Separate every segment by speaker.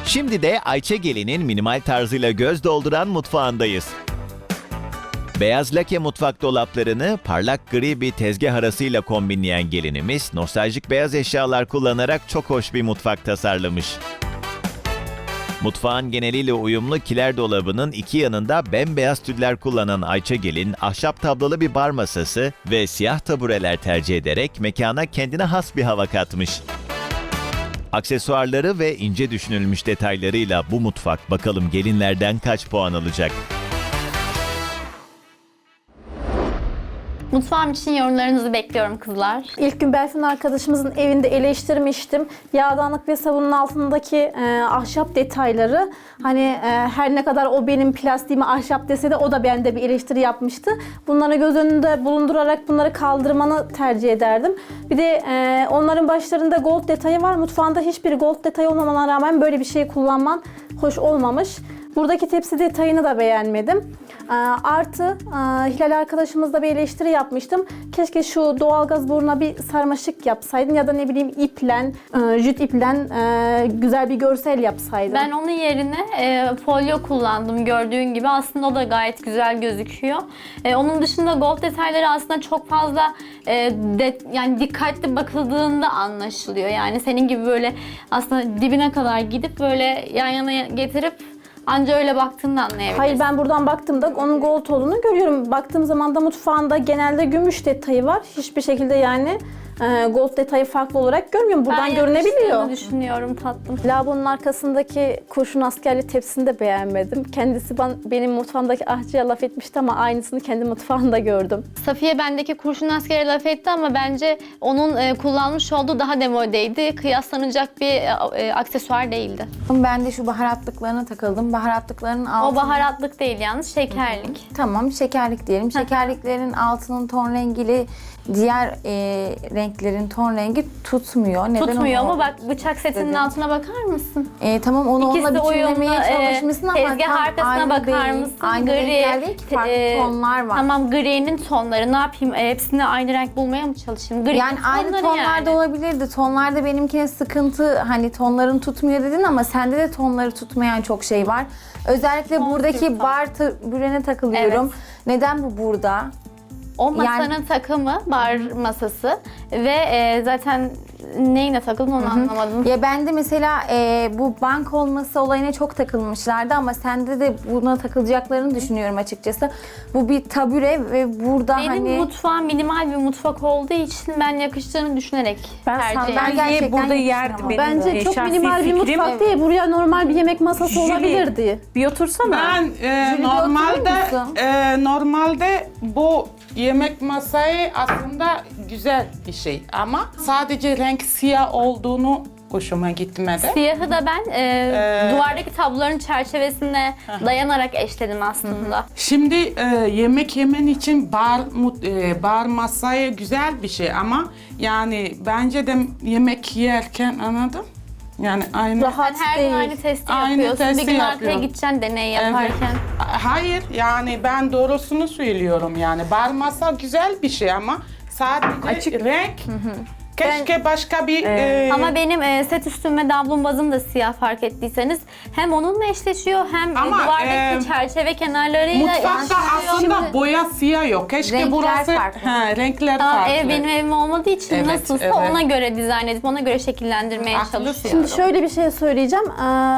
Speaker 1: Şimdi de Ayça Gelin'in minimal tarzıyla göz dolduran mutfağındayız. Beyaz lake mutfak dolaplarını parlak gri bir tezgah arasıyla kombinleyen gelinimiz, nostaljik beyaz eşyalar kullanarak çok hoş bir mutfak tasarlamış. Mutfağın geneliyle uyumlu kiler dolabının iki yanında bembeyaz tüller kullanan Ayça Gelin, ahşap tablolu bir bar masası ve siyah tabureler tercih ederek mekana kendine has bir hava katmış. Aksesuarları ve ince düşünülmüş detaylarıyla bu mutfak bakalım gelinlerden kaç puan alacak?
Speaker 2: Mutfağım için yorumlarınızı bekliyorum kızlar.
Speaker 3: İlk gün Berfin arkadaşımızın evinde eleştirmiştim. Yağdanlık ve sabunun altındaki ahşap detayları. Hani her ne kadar o benim plastiğimi ahşap dese de o da bende bir eleştiri yapmıştı. Bunları göz önünde bulundurarak bunları kaldırmanı tercih ederdim. Bir de onların başlarında gold detayı var. Mutfağında hiçbir gold detayı olmamana rağmen böyle bir şey kullanman hoş olmamış. Buradaki tepsi detayını da beğenmedim. Artı Hilal arkadaşımızla bir eleştiri yapmıştım. Keşke şu doğalgaz boruna bir sarmaşık yapsaydın ya da ne bileyim iplen, jüt iplen güzel bir görsel yapsaydın.
Speaker 2: Ben onun yerine folyo kullandım gördüğün gibi. Aslında o da gayet güzel gözüküyor. Onun dışında gold detayları aslında çok fazla yani dikkatli bakıldığında anlaşılıyor. Yani senin gibi böyle aslında dibine kadar gidip böyle yan yana getirip anca öyle baktığında anlayabilirsin.
Speaker 3: Hayır, ben buradan baktığımda onun gold olduğunu görüyorum. Baktığım zaman da mutfağında genelde gümüş detayı var. Hiçbir şekilde yani gold detayı farklı olarak görmüyorum. Buradan
Speaker 2: Ben
Speaker 3: görünebiliyor.
Speaker 2: yakıştığını düşünüyorum tatlım.
Speaker 3: Lavabonun arkasındaki kurşun askerli tepsini de beğenmedim. Kendisi benim mutfağımdaki ahçıya laf etmişti ama aynısını kendi mutfağımda gördüm.
Speaker 2: Safiye bendeki kurşun askeri laf etti ama bence onun kullanmış olduğu daha demodeydi. Kıyaslanacak bir aksesuar değildi.
Speaker 4: Ben de şu baharatlıklarına takıldım. Baharatlıkların altı...
Speaker 2: O baharatlık değil yalnız, şekerlik.
Speaker 4: Tamam, şekerlik diyelim. Şekerliklerin altının ton rengiyle diğer renklerin ton rengi tutmuyor. Neden
Speaker 2: Tutmuyor
Speaker 4: onu
Speaker 2: mu? Bak bıçak setinin
Speaker 4: dedim.
Speaker 2: altına bakar mısın?
Speaker 4: Tamam, onu
Speaker 2: İkisi
Speaker 4: onunla
Speaker 2: de
Speaker 4: bütünlemeye
Speaker 2: uyumlu,
Speaker 4: çalışmışsın ama
Speaker 2: tezgah
Speaker 4: tam
Speaker 2: arkasına
Speaker 4: aynı
Speaker 2: bakar
Speaker 4: değil.
Speaker 2: mısın?
Speaker 4: Aynı renkler değil ki, farklı tonlar var.
Speaker 2: Tamam, gri'nin tonları. Ne yapayım? Hepsini aynı renk bulmaya mı çalışayım? Gri'nin
Speaker 4: Yani aynı
Speaker 2: tonları
Speaker 4: tonlarda
Speaker 2: yani.
Speaker 4: olabilirdi. Tonlarda benimkine sıkıntı, hani tonların tutmuyor dedin ama sende de tonları tutmayan çok şey var. Özellikle
Speaker 2: Ton
Speaker 4: buradaki
Speaker 2: Türk
Speaker 4: bar bürene takılıyorum.
Speaker 2: Evet.
Speaker 4: Neden bu burada?
Speaker 2: O masanın
Speaker 4: Yani-
Speaker 2: takımı, bar masası ve zaten neyine takıldın onu anlamadım.
Speaker 4: Ya ben de mesela bu bank olması olayına çok takılmışlardı ama sende de buna takılacaklarını düşünüyorum açıkçası. Bu bir tabure ve burada
Speaker 2: Benim
Speaker 4: hani...
Speaker 2: mutfağım minimal bir mutfak olduğu için ben yakıştığını düşünerek tercih ediyorum.
Speaker 4: gerçekten
Speaker 5: sandalyeyi burada yerdim
Speaker 4: yakıştıramadım.
Speaker 5: benim.
Speaker 3: Bence çok
Speaker 5: şahsi
Speaker 3: minimal bir
Speaker 5: fikrim.
Speaker 3: mutfak değil. Buraya normal bir yemek masası
Speaker 5: Jüri,
Speaker 3: olabilirdi.
Speaker 5: Bir otursana.
Speaker 6: Ben
Speaker 4: Jüri
Speaker 6: normalde
Speaker 4: oturur musun?
Speaker 6: normalde bu yemek masayı aslında güzel bir şey ama sadece renk siyah olduğunu hoşuma gitmedi.
Speaker 2: Siyahı da ben duvardaki tabloların çerçevesine dayanarak eşledim aslında.
Speaker 6: Şimdi yemek yemen için bar masayı güzel bir şey ama yani bence de yemek yerken anladım. Yani aynı.
Speaker 3: Rahat
Speaker 2: Sen her gün
Speaker 3: değil.
Speaker 2: aynı testi
Speaker 6: Aynı
Speaker 2: yapıyorsun.
Speaker 6: testi
Speaker 2: Bir gün arkaya
Speaker 6: yapıyorum.
Speaker 2: gideceksin deney
Speaker 6: Evet.
Speaker 2: yaparken.
Speaker 6: Hayır yani ben doğrusunu söylüyorum yani bar masa güzel bir şey ama sadece renk keşke başka bir
Speaker 2: Ama benim set üstüm ve davlumbazım da siyah fark ettiyseniz. Hem onunla eşleşiyor hem
Speaker 6: Ama,
Speaker 2: duvardaki çerçeve kenarlarıyla
Speaker 6: mutfakta
Speaker 2: eşleşiyor.
Speaker 6: aslında boya siyah yok. Keşke
Speaker 4: Renkler
Speaker 6: burası
Speaker 4: farklı.
Speaker 6: renkler
Speaker 2: Ama
Speaker 6: farklı.
Speaker 2: ev benim evim olmadığı için
Speaker 6: Evet,
Speaker 2: nasılsa
Speaker 6: evet.
Speaker 2: ona göre dizayn edip ona göre şekillendirmeye
Speaker 6: Haklısın.
Speaker 2: çalışıyorum.
Speaker 3: Şimdi şöyle bir şey söyleyeceğim.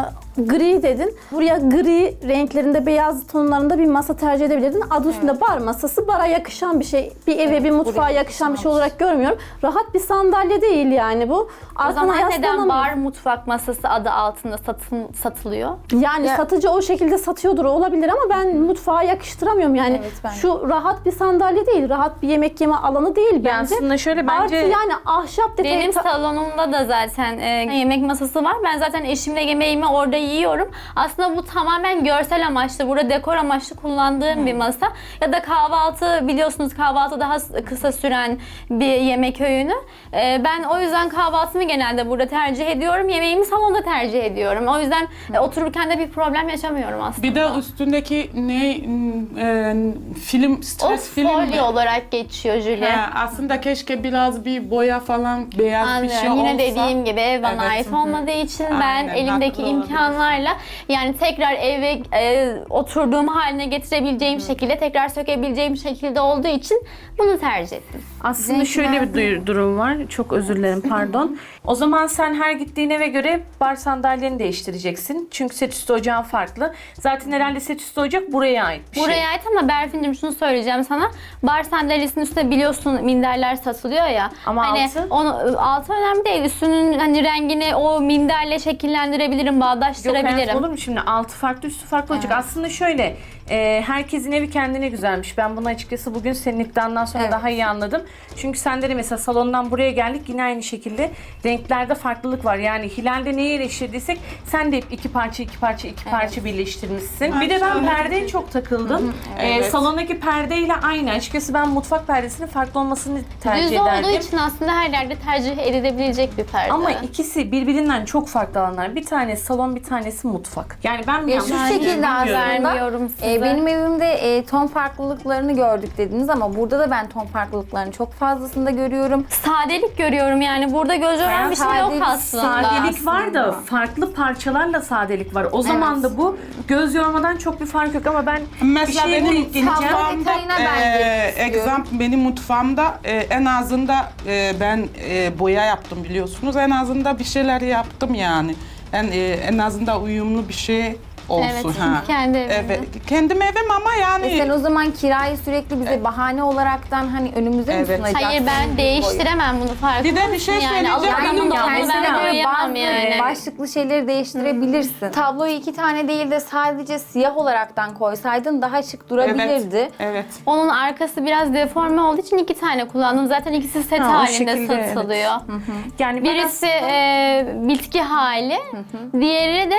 Speaker 3: Gri dedin. Buraya gri renklerinde, beyaz tonlarında bir masa tercih edebilirdin. Adı üstünde bar masası. Bara yakışan bir şey. Bir eve, bir mutfağa yakışan bir şey olarak görmüyorum. Rahat bir sandalye değil yani bu.
Speaker 2: O
Speaker 3: Arkana
Speaker 2: zaman neden
Speaker 3: yaslanamıyor.
Speaker 2: bar mutfak masası adı altında satılıyor?
Speaker 3: Yani satıcı o şekilde satıyordur olabilir ama ben mutfağa yakıştıramıyorum yani.
Speaker 4: Evet, ben de.
Speaker 3: Şu rahat bir sandalye değil, rahat bir yemek yeme alanı değil bence.
Speaker 5: aslında şöyle
Speaker 3: Artı
Speaker 5: bence-
Speaker 3: yani ahşap detayı...
Speaker 2: Benim salonumda da zaten yemek masası var. Ben zaten eşimle yemeğimi orada yiyorum. Aslında bu tamamen görsel amaçlı, burada dekor amaçlı kullandığım bir masa. Ya da kahvaltı, biliyorsunuz kahvaltı daha kısa süren bir yemek öğünü. Ben o yüzden kahvaltımı genelde burada tercih ediyorum. Yemeğimi salonda tercih ediyorum. O yüzden otururken de bir problem yaşamıyorum aslında.
Speaker 6: Bir de üstündeki film,
Speaker 2: O
Speaker 6: stres film.
Speaker 2: folyo olarak geçiyor Julie.
Speaker 6: Aslında keşke biraz bir boya falan beyaz bir şey
Speaker 2: Anlıyorum.
Speaker 6: olsa.
Speaker 2: Yine dediğim gibi ev bana
Speaker 6: Evet,
Speaker 2: ait
Speaker 6: hı hı.
Speaker 2: olmadığı için ben
Speaker 6: Aynen,
Speaker 2: elimdeki
Speaker 6: haklı
Speaker 2: imkanlarla eşyalarla yani tekrar eve oturduğum haline getirebileceğim şekilde, tekrar sökebileceğim şekilde olduğu için bunu tercih ettim.
Speaker 5: Aslında şöyle bir durum var. Çok özür dilerim, pardon. O zaman sen her gittiğin eve göre bar sandalyeni değiştireceksin. Çünkü set üstü ocağın farklı. Zaten herhalde set üstü ocak buraya ait bir şey.
Speaker 2: Buraya ait ama Berfin'cim şunu söyleyeceğim sana. Bar sandalyesinin üstünde biliyorsun minderler satılıyor ya.
Speaker 5: Ama
Speaker 2: hani
Speaker 5: altı?
Speaker 2: altı önemli değil. Üstünün hani rengini o minderle şekillendirebilirim,
Speaker 5: Yok
Speaker 2: bağdaştırabilirim.
Speaker 5: hayatım, olur mu şimdi? Altı farklı, üstü farklı olacak. Aslında şöyle, herkesin evi kendine güzelmiş. Ben bunu açıkçası bugün senin iddiandan sonra daha iyi anladım. Çünkü sende de mesela salondan buraya geldik yine aynı şekilde renklerde farklılık var. Yani Hilal'de neyi eleştirdiysek sen de hep iki parça birleştirmişsin. Bir de ben perdeye çok takıldım. Salondaki perdeyle aynı. Açıkçası ben mutfak perdesinin farklı olmasını tercih
Speaker 2: Düz
Speaker 5: ederdim.
Speaker 2: olduğu için aslında her yerde tercih edilebilecek bir perde.
Speaker 5: Ama ikisi birbirinden çok farklı alanlar. Bir tanesi salon, bir tanesi mutfak. Yani ben mi
Speaker 4: Ya
Speaker 5: yanlış
Speaker 4: şu şekilde
Speaker 5: bilmiyorum.
Speaker 2: Vermiyorum size.
Speaker 4: benim evimde ton farklılıklarını gördük dediniz ama burada da ben ton farklılıklarını çok fazlasında görüyorum.
Speaker 2: Sadelik görüyorum yani. Burada göz yoran bir şey yok
Speaker 4: Sadelik-
Speaker 2: aslında.
Speaker 5: Sadelik var da farklı parçalarla sadelik var. O zaman da bu göz yormadan çok bir fark yok ama ben
Speaker 6: Mesela
Speaker 5: bir şeye
Speaker 6: benim
Speaker 5: denk geleceğim.
Speaker 4: Tablo detayına ben girmek istiyorum.
Speaker 6: benim mutfağımda en azından ben boya yaptım biliyorsunuz. En azından bir şeyler yaptım yani. En azından uyumlu bir şey olsun.
Speaker 2: Evet, çünkü kendi evinde.
Speaker 6: Evet, kendim evim ama yani
Speaker 4: Sen o zaman kirayı sürekli bize bahane olaraktan hani önümüze mi
Speaker 6: Evet.
Speaker 4: sunacaksın?
Speaker 2: Hayır ben değiştiremem bunu farkında
Speaker 6: Bir de bir şey
Speaker 2: mısın?
Speaker 6: söyleyeceğim.
Speaker 2: alıp
Speaker 6: Benim
Speaker 2: bunu da
Speaker 6: yani
Speaker 2: onu ben
Speaker 4: Mesela
Speaker 2: koyamam
Speaker 4: bazı
Speaker 2: yani.
Speaker 4: başlıklı şeyleri değiştirebilirsin. Tabloyu 2 tane değil de sadece siyah olaraktan koysaydın daha şık durabilirdi.
Speaker 6: Evet.
Speaker 2: Onun arkası biraz deforme olduğu için 2 tane kullandım. Zaten ikisi set
Speaker 5: Ha, o
Speaker 2: halinde
Speaker 5: şekilde, evet.
Speaker 2: satılıyor.
Speaker 5: Yani ben
Speaker 2: Birisi bitki hali, diğeri de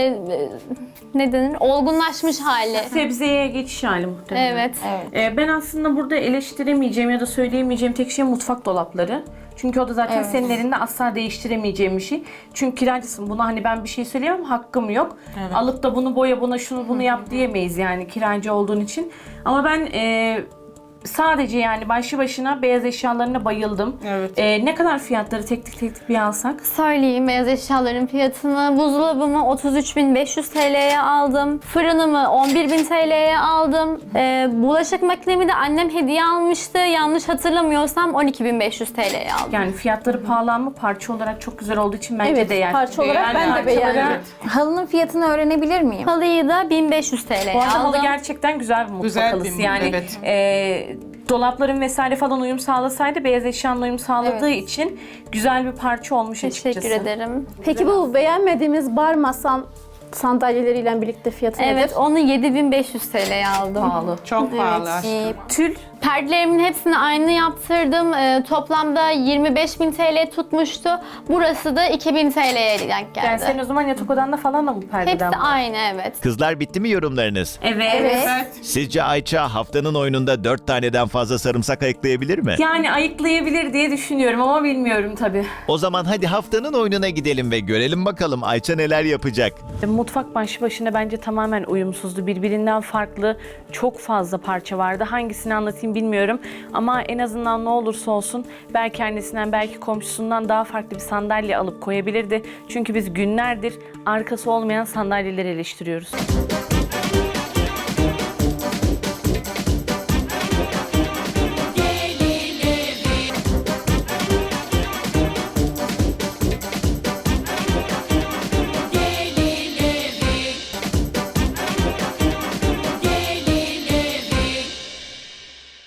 Speaker 2: ne denir? Olgunlaşmış hali.
Speaker 5: sebzeye geçiş hali muhtemelen.
Speaker 2: Evet.
Speaker 5: Ben aslında burada eleştiremeyeceğim ya da söyleyemeyeceğim tek şey mutfak dolapları. Çünkü o da zaten senin elinde asla değiştiremeyeceğim bir şey. Çünkü kiracısın. Buna hani ben bir şey söyleyemem, hakkım yok. Alıp da bunu boya, buna şunu bunu yap diyemeyiz yani kiracı olduğun için. Ama ben sadece yani başlı başına beyaz eşyalarına bayıldım.
Speaker 6: Evet.
Speaker 5: Ne kadar fiyatları tek tek bir alsak?
Speaker 2: Söyleyeyim beyaz eşyaların fiyatını. Buzdolabımı 33.500 TL'ye aldım. Fırınımı 11.000 TL'ye aldım. Bulaşık makinemi de annem hediye almıştı. Yanlış hatırlamıyorsam 12.500 TL'ye aldım.
Speaker 5: Yani fiyatları pahalı ama parça olarak çok güzel olduğu için bence
Speaker 3: Evet,
Speaker 5: değer.
Speaker 3: parça olarak ben de
Speaker 5: parçaları-
Speaker 3: beğendim.
Speaker 4: Halının fiyatını öğrenebilir miyim?
Speaker 2: Halıyı da 1500 TL'ye
Speaker 5: Bu arada halı
Speaker 2: aldım.
Speaker 5: gerçekten güzel bir mutfak
Speaker 6: Güzel bir
Speaker 5: halısı. Yani
Speaker 6: evet.
Speaker 5: dolapların vesaire falan uyum sağlasaydı beyaz eşyanın uyum sağladığı için güzel bir parça olmuş
Speaker 2: Teşekkür
Speaker 5: açıkçası.
Speaker 2: ederim.
Speaker 3: Peki bu beğenmediğimiz bar masan sandalyeleriyle birlikte fiyatı nedir?
Speaker 2: Evet, onu 7500 TL'ye aldım.
Speaker 5: Pahalı.
Speaker 6: Çok pahalı aşkım.
Speaker 5: Tül
Speaker 2: Perdelerimin hepsini aynı yaptırdım. Toplamda 25.000 TL tutmuştu. Burası da 2000 TL'ye denk
Speaker 5: yani
Speaker 2: geldi.
Speaker 5: senin o zaman yatak odanda falan da bu perdeden
Speaker 2: Hepsi
Speaker 5: var.
Speaker 2: aynı, evet.
Speaker 1: Kızlar bitti mi yorumlarınız?
Speaker 5: Evet.
Speaker 6: Evet.
Speaker 1: Sizce Ayça haftanın oyununda 4 taneden fazla sarımsak ayıklayabilir mi?
Speaker 5: Yani ayıklayabilir diye düşünüyorum ama bilmiyorum tabii.
Speaker 1: O zaman hadi haftanın oyununa gidelim ve görelim bakalım Ayça neler yapacak.
Speaker 5: Mutfak başlı başına bence tamamen uyumsuzdu. Birbirinden farklı çok fazla parça vardı. Hangisini anlatayım bilmiyorum. Ama en azından ne olursa olsun belki annesinden belki komşusundan daha farklı bir sandalye alıp koyabilirdi. Çünkü biz günlerdir arkası olmayan sandalyeleri eleştiriyoruz.